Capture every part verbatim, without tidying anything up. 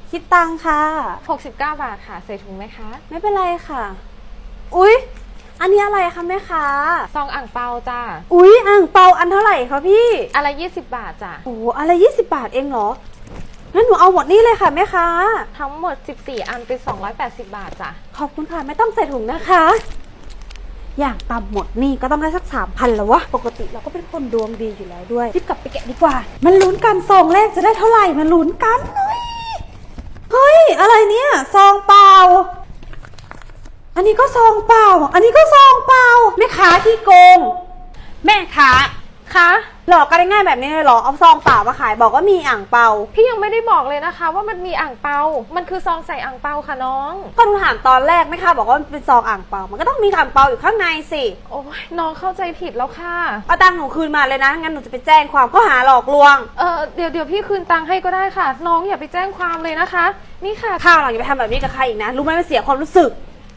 คิดตังค่ะหกสิบเก้าบาทค่ะใส่ถุงไหมคะไม่เป็นไรค่ะอุ๊ยอันนี้อะไรคะแม่ค้าซองอ่างเปาจ้าอุ๊ยอ่างเปาอันเท่าไหร่คะพี่อะไรยี่สิบบาทจ้ะโอ้อะไรยี่สิบบาทเองเหรองั้นหนูเอาหมดนี่เลยค่ะแม่ค้าทั้งหมดสิบสี่อันเป็นสองร้อยแปดสิบบาทจ้ะขอบคุณค่ะไม่ต้องใส่ถุงนะคะอย่างต่ำหมดนี่ก็ต้องได้สักสามพันแล้ววะปกติเราก็เป็นคนดวงดีอยู่แล้วด้วยรีบกลับไปแกะดีกว่ามันลุ้นกันซองแรกจะได้เท่าไหร่มันลุ้นกันเฮ้ยเฮ้ยอะไรเนี่ยซองเปล่าอันนี้ก็ซองเปล่าอันนี้ก็ซองเปล่าแม่ค้าที่โกงแม่ค้าคะหลอกกันได้ง่ายแบบนี้เลยเหรอเอาซองเปล่ามาขายบอกว่ามีอ่างเปาพี่ยังไม่ได้บอกเลยนะคะว่ามันมีอ่างเปามันคือซองใส่อ่างเปาค่ะน้องก็หนูถามตอนแรกแม่ค้าบอกว่ามันเป็นซองอ่างเปามันก็ต้องมีอ่างเปาอยู่ข้างในสิโอ้ยน้องเข้าใจผิดแล้วค่ะเอาตังค์หนูคืนมาเลยนะงั้นหนูจะไปแจ้งความข้อหาหลอกลวงเออเดี๋ยวเดี๋ยวพี่คืนตังค์ให้ก็ได้ค่ะน้องอย่าไปแจ้งความเลยนะคะนี่ค่ะข้าวหลังอย่าไปทำแบบนี้กับใครอีกนะรู้ไหมมันเสียความรู้สึก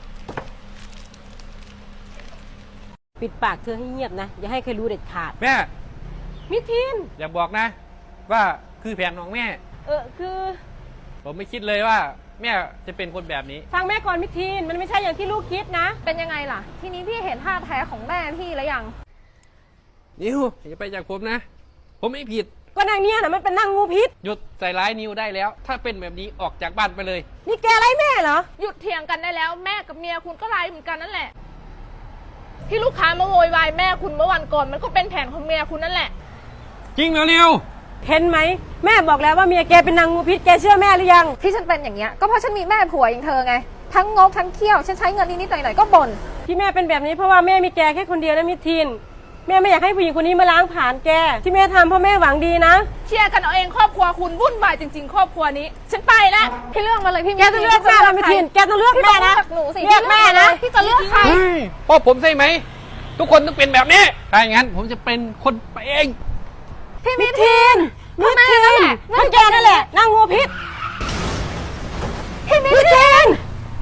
ปิดปากเธอให้เงียบนะอย่าให้ใครรู้เด็ดขาดแม่มิทินอย่าบอกนะว่าคือแผนของแม่เออคือผมไม่คิดเลยว่าแม่จะเป็นคนแบบนี้ฟังแม่ก่อนมิทินมันไม่ใช่อย่างที่ลูกคิดนะเป็นยังไงล่ะทีนี้พี่เห็นท่าแท้ของแม่พี่แล้วยังนิวอย่าไปจากผมนะผมไม่ผิดก็นางเนี้ยนะมันเป็นนางงูพิษหยุดใส่ร้ายนิวได้แล้วถ้าเป็นแบบนี้ออกจากบ้านไปเลยนี่แกไล่แม่เหรอหยุดเถียงกันได้แล้วแม่กับเมียคุณก็ไล่เหมือนกันนั่นแหละที่ลูกค้ามาโวยวายแม่คุณเมื่อวันก่อนมันก็เป็นแผนของเมียคุณนั่นแหละจริงเหรอนิวเห็นไหมแม่บอกแล้วว่าเมียแกเป็นนางงูพิษแกเชื่อแม่หรือยังที่ฉันเป็นอย่างเงี้ยก็เพราะฉันมีแม่ผัวอย่างเธอไงทั้งงกทั้งเขี้ยวฉันใช้เงินนิดๆหน่อยๆก็บ่นที่แม่เป็นแบบนี้เพราะว่าแม่มีแกแค่คนเดียวนะมิทินแม่ไม่อยากให้ผู้หญิงคนนี้มาล้างผ่านแกที่แม่ทำเพราะแม่หวังดีนะเชื่อกันเอาเองครอบครัวคุณวุ่นวายจริงๆครอบครัวนี้ฉันไปแล้วพี่เลือกมาเลยพี่แกต้องเลือกแม่นะมิทินแกต้องเลือกแม่นะหนูสิเลือกแม่นะพี่จะเลือกใครพ่อผมใช่ไหมทุกคนต้องเป็นแบบนี้ถ้าอย่างนั้นผมจะเป็นคนไปเองพี่มิทินมิทินนั่นแกนั่นแหละนางงูพิษพี่มิทิน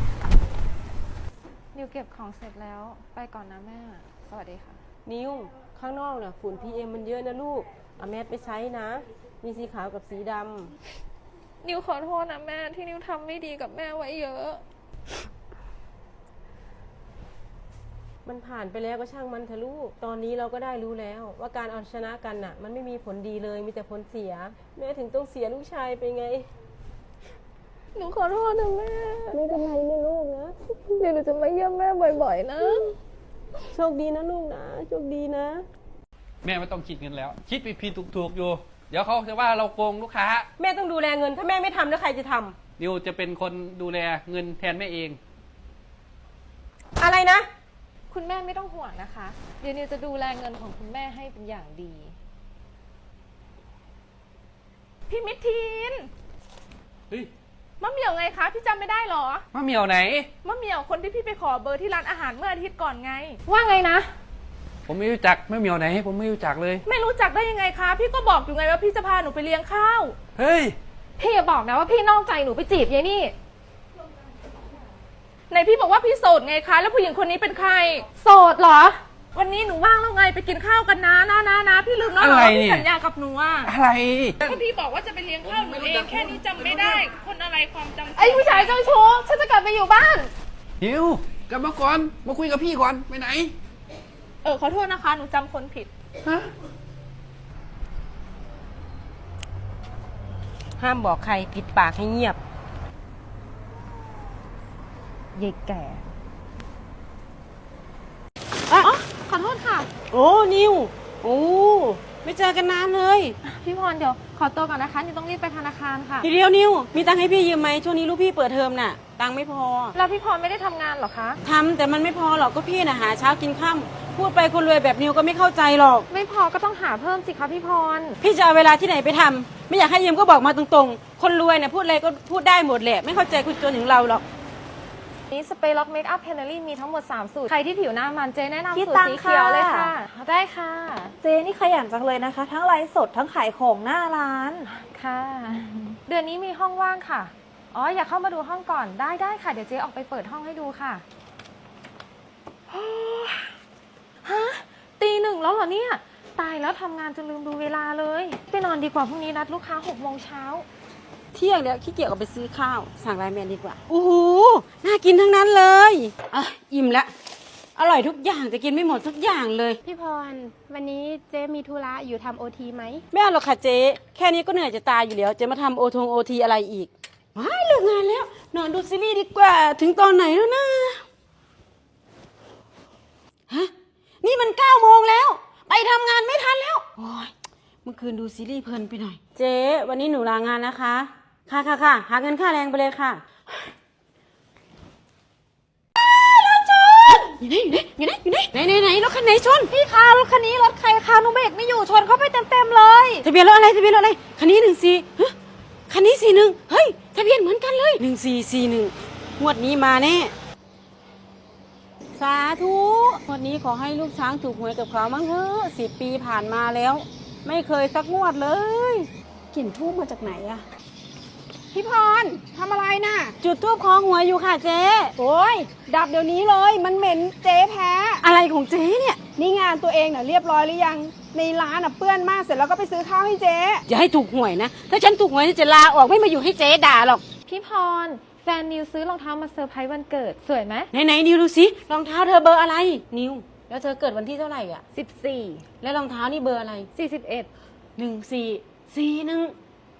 นิวเก็บของเสร็จแล้วไปก่อนนะแม่สวัสดีค่ะนิวข้างนอกน่ะฝุ่น พี เอ็ม มันเยอะนะลูกเอาแมสไปใช้นะมีสีขาวกับสีดำนิวขอโทษนะแม่ที่นิวทำไม่ดีกับแม่ไว้เยอะมันผ่านไปแล้วก็ช่างมันเถอะลูกตอนนี้เราก็ได้รู้แล้วว่าการเอาชนะกันน่ะมันไม่มีผลดีเลยมีแต่ผลเสียแม่ถึงต้องเสียลูกชายไปไงหนูขอโทษนะแม่ไม่เป็นไรนะลูกนะเดี๋ยวหนูจะมาเยี่ยมแม่บ่อยๆนะโชคดีนะลูกนะโชคดีนะแม่ไม่ต้องคิดเงินแล้วคิดผิดๆถูกๆอยู่เดี๋ยวเขาจะว่าเราโกงลูกค้าแม่ต้องดูแลเงินถ้าแม่ไม่ทำแล้วใครจะทำนิวจะเป็นคนดูแลเงินแทนแม่เองอะไรนะคุณแม่ไม่ต้องห่วงนะคะเดี๋ยวนิวจะดูแลเงินของคุณแม่ให้เป็นอย่างดีพี่มิทินเฮ้ยมะเหมี่ยวไงคะพี่จำไม่ได้หรอมะเหมี่ยวไหนมะเหมี่ยวคนที่พี่ไปขอเบอร์ที่ร้านอาหารเมื่ออาทิตย์ก่อนไงว่าไงนะผมไม่รู้จักมะเหมี่ยวไหนผมไม่รู้จักเลยไม่รู้จักได้ยังไงคะพี่ก็บอกอยู่ไงว่าพี่จะพาหนูไปเลี้ยงข้าวเฮ้ยพี่อย่าบอกนะว่าพี่นอกใจหนูไปจีบยายนี่ไหนพี่บอกว่าพี่โสดไงคะแล้วผู้หญิงคนนี้เป็นใครโสดเหรอวันนี้หนูว่างแล้วไงไปกินข้าวกันนะนะนะนะพี่ลืมแล้วเหรอพี่สัญญากับหนูอะอะไรก็พี่บอกว่าจะไปเลี้ยงข้าวหนูเองแค่นี้จำไม่ได้คนอะไรความจำไอ้ผู้ชายเจ้าชู้ฉันจะกลับไปอยู่บ้านฮิวกลับมาก่อนมาคุยกับพี่ก่อนไปไหนเออขอโทษนะคะหนูจำคนผิดฮะห้ามบอกใครปิดปากให้เงียบยายแก่อ๋อขอโทษค่ะโอ้นิวโอ้ไม่เจอกันนานเลยพี่พรเดี๋ยวขอตัวก่อนนะคะนิวต้องรีบไปธนาคารค่ะทีเดียวนิวมีตังค์ให้พี่ยืมไหมช่วงนี้ลูกพี่เปิดเทอมน่ะตังค์ไม่พอแล้วพี่พรไม่ได้ทำงานหรอคะทำแต่มันไม่พอหรอกก็พี่น่ะหาเช้ากินค่ำพูดไปคนรวยแบบนิวก็ไม่เข้าใจหรอกไม่พอก็ต้องหาเพิ่มสิคะพี่พรพี่จะเอาเวลาที่ไหนไปทำไม่อยากให้ยืมก็บอกมาตรงๆคนรวยเนี่ยพูดอะไรก็พูดได้หมดแหละไม่เข้าใจคนจนอย่างเราหรอกนี้สเปรย์ล็อกเมคอัพเพนเนอรี่มีทั้งหมดสามสูตรใครที่ผิวหน้ามันเจแนะนำสูตรสีเขียวเลยค่ะได้ค่ะเจนี่ขยันจังเลยนะคะทั้งไลฟ์สดทั้งขายของหน้าร้านค่ะเดือนนี้มีห้องว่างค่ะอ๋ออยากเข้ามาดูห้องก่อนได้ได้ค่ะเดี๋ยวเจออกไปเปิดห้องให้ดูค่ะฮะตีหนึ่งแล้วเหรอเนี่ยตายแล้วทำงานจนลืมดูเวลาเลยไปนอนดีกว่าพรุ่งนี้นัดลูกค้าหกโมงเช้าเที่ยงแล้วขี้เกียจออกไปซื้อข้าวสั่งไลน์แมนดีกว่าโอ้โหน่ากินทั้งนั้นเลยอ่ะอิ่มละอร่อยทุกอย่างจะกินไม่หมดทุกอย่างเลยพี่พร วันนี้เจ๊มีธุระอยู่ทำโอทีไหมไม่เอาหรอกค่ะเจ๊แค่นี้ก็เหนื่อยจะตายอยู่แล้วเจ๊มาทำโอทงโอทีอะไรอีกว้ายเลิกงานแล้วนอนดูซีรีส์ดีกว่าถึงตอนไหนแล้วนะฮะนี่มันเก้าโมงแล้วไปทำงานไม่ทันแล้วโอ้ยเมื่อคืนดูซีรีส์เพลินไปหน่อยเจ๊วันนี้หนูลางานนะคะค่ะค่ะค่ะหาเงินค่าแรงไปเลยค่ะอยู่ไหนอยู่ไหนอยู่ไหนอยู่ไหนไหนไหนรถคันไหนชนพี่คะรถคันนี้รถใครคะหนูเบรกไม่อยู่ชนเข้าไปเต็มๆเลยทะเบียนรถอะไรทะเบียนรถอะไรคันนี้หนึ่งสี่ฮะคันนี้สี่หนึ่งเฮ้ยทะเบียนเหมือนกันเลยหนึ่งสี่สี่หนึ่งงวดนี้มาแน่สาธุงวดนี้ขอให้ลูกช้างถูกหวยกับเขามั้งเถอะสิบปีผ่านมาแล้วไม่เคยสักงวดเลยกลิ่นทูบมาจากไหนอะพี่พรทำอะไรน่ะจุดทูบคล้องหัวอยู่ค่ะเจ๊โอ้ยดับเดี๋ยวนี้เลยมันเหม็นเจ๊แพ้อะไรของเจ๊เนี่ยนี่งานตัวเองน่ะเรียบร้อยหรือยังในร้านน่ะเปื้อนมากเสร็จแล้วก็ไปซื้อข้าวให้เจ๊อย่าให้ถูกหวยนะถ้าฉันถูกหวยจะลาออกไม่มาอยู่ให้เจ๊ด่าหรอกพี่พร แฟนนิวซื้อรองเท้ามาเซอร์ไพรส์วันเกิดสวยไหมไหนไหนนิวดูสิรองเท้าเธอเบอร์อะไรนิวแล้วเธอเกิดวันที่เท่าไหร่อ่ะสิบสี่แล้วรองเท้านี่เบอร์อะไรสี่สิบเอ็ดหนึ่งสี่สี่หนึ่ง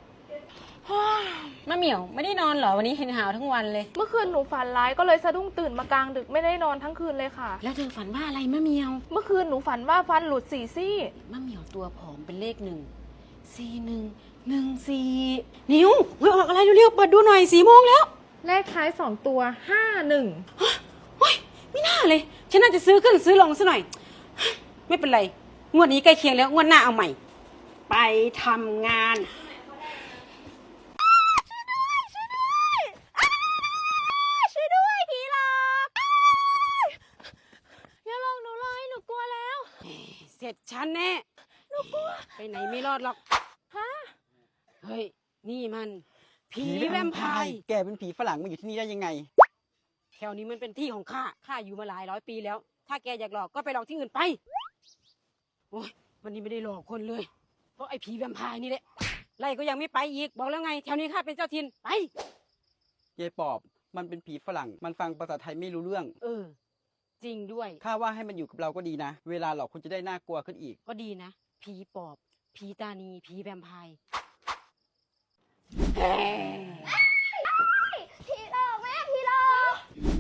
มะเหมี่ยวไม่ได้นอนเหรอวันนี้เห็นหาวทั้งวันเลยเมื่อคืนหนูฝันร้ายก็เลยสะดุ้งตื่นมากลางดึกไม่ได้นอนทั้งคืนเลยค่ะแล้วเธอฝันว่าอะไรมะเหมี่ยวเมื่อคืนหนูฝันว่าฟันหลุดสี่ซี่มะเหมี่ยวตัวผอมเป็นเลขหนึ่งสี่หนึ่งหนึ่งสี่นิวหวยออกอะไรเร็วๆเปิดดูหน่อยสี่โมงแล้วเลขท้ายสองตัวห้าหนึ่งโอ้ยไม่น่าเลยฉันน่าจะซื้อขึ้นซื้อลงซะหน่อยไม่เป็นไรงวดนี้ใกล้เคียงแล้วงวดหน้าเอาใหม่ ไปทำงานช่วยด้วยผีหลอกอย่าลงหนูเลยหนูกลัวแล้วเสร็จฉันแน่หนูกลัวไปไหนไม่รอดหรอกฮะเฮ้ยนี่มันผีแวมไพร์แกเป็นผีฝรั่งมาอยู่ที่นี่ได้ยังไงแถวนี้มันเป็นที่ของข้า ข้าอยู่มาหลายร้อยปีแล้ว ถ้าแกอยากหลอกก็ไปหลอกที่อื่นไป โอ้ยวันนี้ไม่ได้หลอกคนเลย เพราะไอ้ผีแวมไพร์นี่แหละ ไล่ก็ยังไม่ไปอีก บอกแล้วไง แถวนี้ข้าเป็นเจ้าถิ่น ไปยายปอบ มันเป็นผีฝรั่ง มันฟังภาษาไทยไม่รู้เรื่องเออ จริงด้วยข้าว่าให้มันอยู่กับเราก็ดีนะ เวลาหลอกคุณจะได้น่ากลัวขึ้นอีกก็ดีนะ ผีปอบ ผีตานี ผีแวมไพร์พี่หลอกแม่พี่หลอก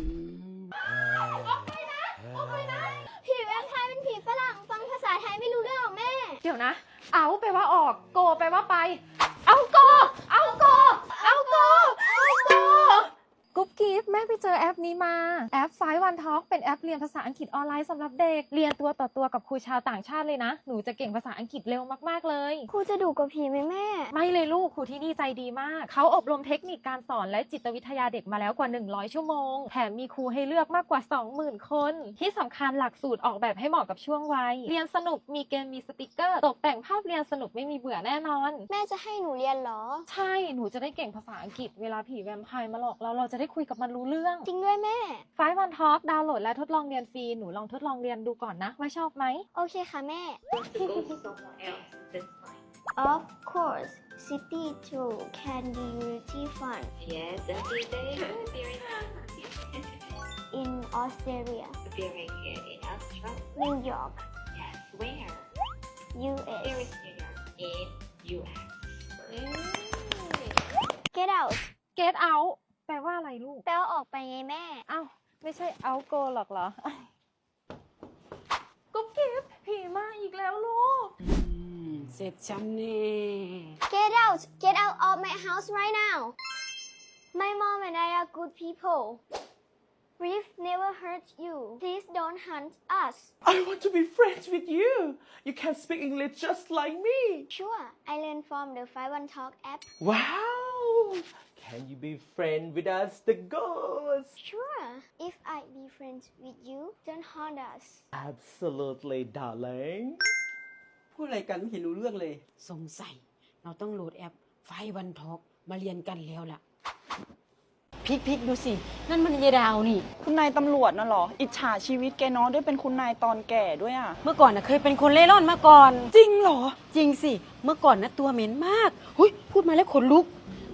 ผีแวมไพร์เป็นผีฝรั่งฟังภาษาไทยไม่รู้เรื่องหรอกแม่เดี๋ยวนะ เอาแปลว่าออก โกแปลว่าไป เอาโก เอาโก เอาโก เอาโก กุ๊บกิ๊บแม่ไปเจอแอปนี้มา แอปไฟวันทอล์กเป็นแอปเรียนภาษาอังกฤษออนไลน์สำหรับเด็ก เรียนตัวต่อตัวกับครูชาวต่างชาติเลยนะ หนูจะเก่งภาษาอังกฤษเร็วมากๆเลยครูจะดุกว่าผีไหมแม่ไม่เลยลูกครูที่นี่ใจดีมาก เขาอบรมเทคนิคการสอนและจิตวิทยาเด็กมาแล้วกว่า หนึ่งร้อย ชั่วโมง แถมมีครูให้เลือกมากกว่า สองหมื่น คน ที่สำคัญหลักสูตรออกแบบให้เหมาะกับช่วงวัย เรียนสนุกมีเกมมีสติกเกอร์ ตกแต่งภาพเรียนสนุกไม่มีเบื่อแน่นอนแม่จะให้หนูเรียนเหรอใช่ หนูจะได้เก่งภาษาอังกฤษเวลาผีแวมไพร์มาหลอกเราเราจะได้คุยกับมันรู้เรื่องจริงด้วยแม่ไฟวันทอล์กดาวน์โหลดและทดลองเรียนฟรี หนูลองทดลองเรียนดูก่อนนะว่าชอบไหมโอเคค่ะแม่ Of course city tour can be really fun Yes, every day. Very in Australia very good. In Australia. New York Yes. Where? U Where S is New York? In U S. Get out get out แปลว่าอะไรลูกแปลว่าออกไปไงแม่อ้าว ไม่ใช่ out go หรอกเหรอ กุ๊บกิ๊บผีมาอีกแล้วลูกเสร็จฉันแน่ Get out Get out of my house right now My mom and I are good people We've never hurt you Please don't hunt us I want to be friends with you. You can speak English just like me. Sure I learned from the five one Talk app Wow. Can you be friends with us, the ghosts? Sure If I be friends with you don't haunt us Absolutely, darling. พูดอะไรกันไม่เห็นรู้เรื่องเลยสงสัยเราต้องโหลดแอปไฟวันทอกมาเรียนกันแล้วล่ะพลิกพลิกดูสิ นั่นมันยายดาวนี่คุณนายตำรวจน่ะเหรอ อิจฉาชีวิตแกเน้องได้เป็นคุณนายตอนแก่ด้วยอ่ะเมื่อก่อนนะเคยเป็นคนเล่ร่อนมาก่อนจริงเหรอจริงสิ เมื่อก่อนนะตัวเหม็นมากหุยพูดมาแล้วขนลุก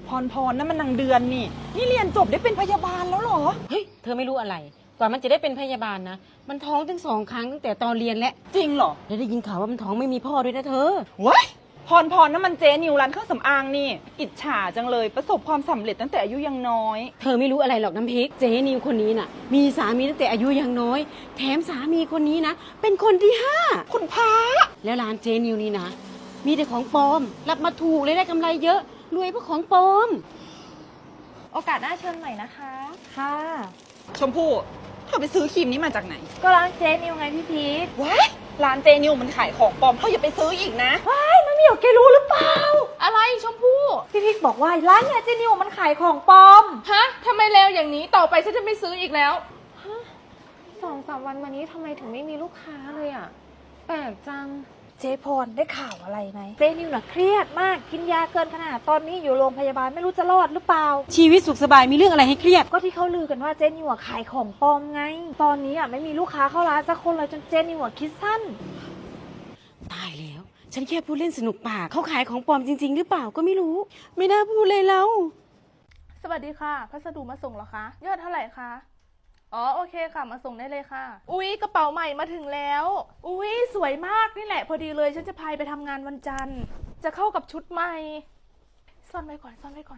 พรพรนั่นมันนางเดือนนี่ นี่เรียนจบได้เป็นพยาบาลแล้วเหรอเฮ้ย เธอไม่รู้อะไร กว่ามันจะได้เป็นพยาบาลนะ มันท้องถึงสองครั้งตั้งแต่ตอนเรียนแล้วจริงเหรอแล้วได้ยินข่าวว่ามันท้องไม่มีพ่อด้วยนะเธอว้ายพรพรนั่นมันเจนิวร้านเครื่องสำอางนี่ อิจฉาจังเลยประสบความสำเร็จตั้งแต่อายุยังน้อยเธอไม่รู้อะไรหรอกน้ำพริก เจนิวคนนี้น่ะ มีสามีตั้งแต่อายุยังน้อย แถมสามีคนนี้นะ เป็นคนที่ห้าคุณพระแล้วร้านเจนิวนี่นะ มีแต่ของปลอม รับมาถูกเลยได้กำไรเยอะ รวยเพราะของปลอมโอกาสหน้าเชิญใหม่นะคะ ค่ะชมพู่เธอไปซื้อครีมนี้มาจากไหนก็ร้านเจ๊นิวไงพี่พีทว้ายร้านเจนิวมันขายของปลอมเธออย่าไปซื้ออีกนะไม่มีหรอกแกรู้หรือเปล่าอะไรชมพู่พี่พิกบอกว่าร้านเนี่ยเจนิวมันขายของปลอมฮะทำไมเร็วอย่างนี้ต่อไปฉันจะไม่ซื้ออีกแล้วฮะสองสามวันมานี้ทำไมถึงไม่มีลูกค้าเลยอ่ะ แปลกจังเจพรได้ข่าวอะไรไหมเจนิวน่ะเครียดมากกินยาเกินขนาดตอนนี้อยู่โรงพยาบาลไม่รู้จะรอดหรือเปล่าชีวิตสุขสบายมีเรื่องอะไรให้เครียดก็ที่เขาลือกันว่าเจนิวอะขายของปลอมไง ตอนนี้อ่ะไม่มีลูกค้าเข้าร้านสักคนเลยจนเจนิวอะคิดสั้นตายแล้ว ฉันแค่พูดเล่นสนุกปาก เขาขายของปลอมจริง ๆ หรือเปล่าก็ไม่รู้ ไม่น่าพูดเลยแล้วสวัสดีค่ะ พัสดุมาส่งเหรอคะ ยอดเท่าไหร่คะ อ๋อ โอเคค่ะ มาส่งได้เลยค่ะ อุ๊ย กระเป๋าใหม่มาถึงแล้ว อุ๊ย สวยมากนี่แหละ พอดีเลย ฉันจะพายไปทำงานวันจันทร์ จะเข้ากับชุดใหม่ ซ่อนไว้ก่อน ซ่อนไว้ก่อน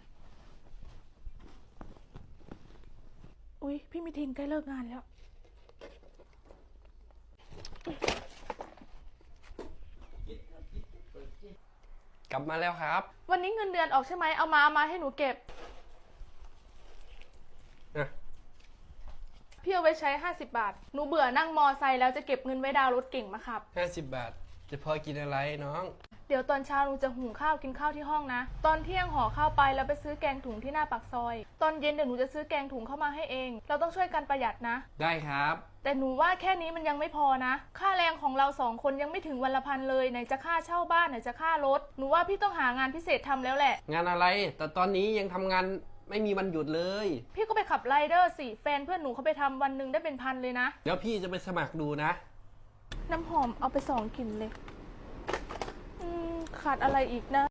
อุ๊ย พี่มิทินใกล้เลิกงานแล้วกลับมาแล้วครับวันนี้เงินเดือนออกใช่ไหม เอามา เอามาให้หนูเก็บนะพี่เอาไว้ใช้ห้าสิบบาท หนูเบื่อนั่งมอไซค์แล้วจะเก็บเงินไว้ดาวน์รถเก่งมาขับห้าสิบบาท จะพอกินอะไรน้องเดี๋ยวตอนเช้าหนูจะหุงข้าวกินข้าวที่ห้องนะ ตอนเที่ยงห่อข้าวไปแล้วไปซื้อแกงถุงที่หน้าปากซอย ตอนเย็นเดี๋ยวหนูจะซื้อแกงถุงเข้ามาให้เอง เราต้องช่วยกันประหยัดนะได้ครับแต่หนูว่าแค่นี้มันยังไม่พอนะ ค่าแรงของเราสองคนยังไม่ถึงวันละพันเลย ไหนจะค่าเช่าบ้านไหนจะค่ารถ หนูว่าพี่ต้องหางานพิเศษทำแล้วแหละงานอะไร แต่ตอนนี้ยังทำงานไม่มีวันหยุดเลยพี่ก็ไปขับไรเดอร์สิแฟนเพื่อนหนูเขาไปทำวันหนึ่งได้เป็นพันเลยนะเดี๋ยวพี่จะไปสมัครดูนะน้ำหอมเอาไปสองกลิ่นเลย อืมขาดอะไรอีกนะ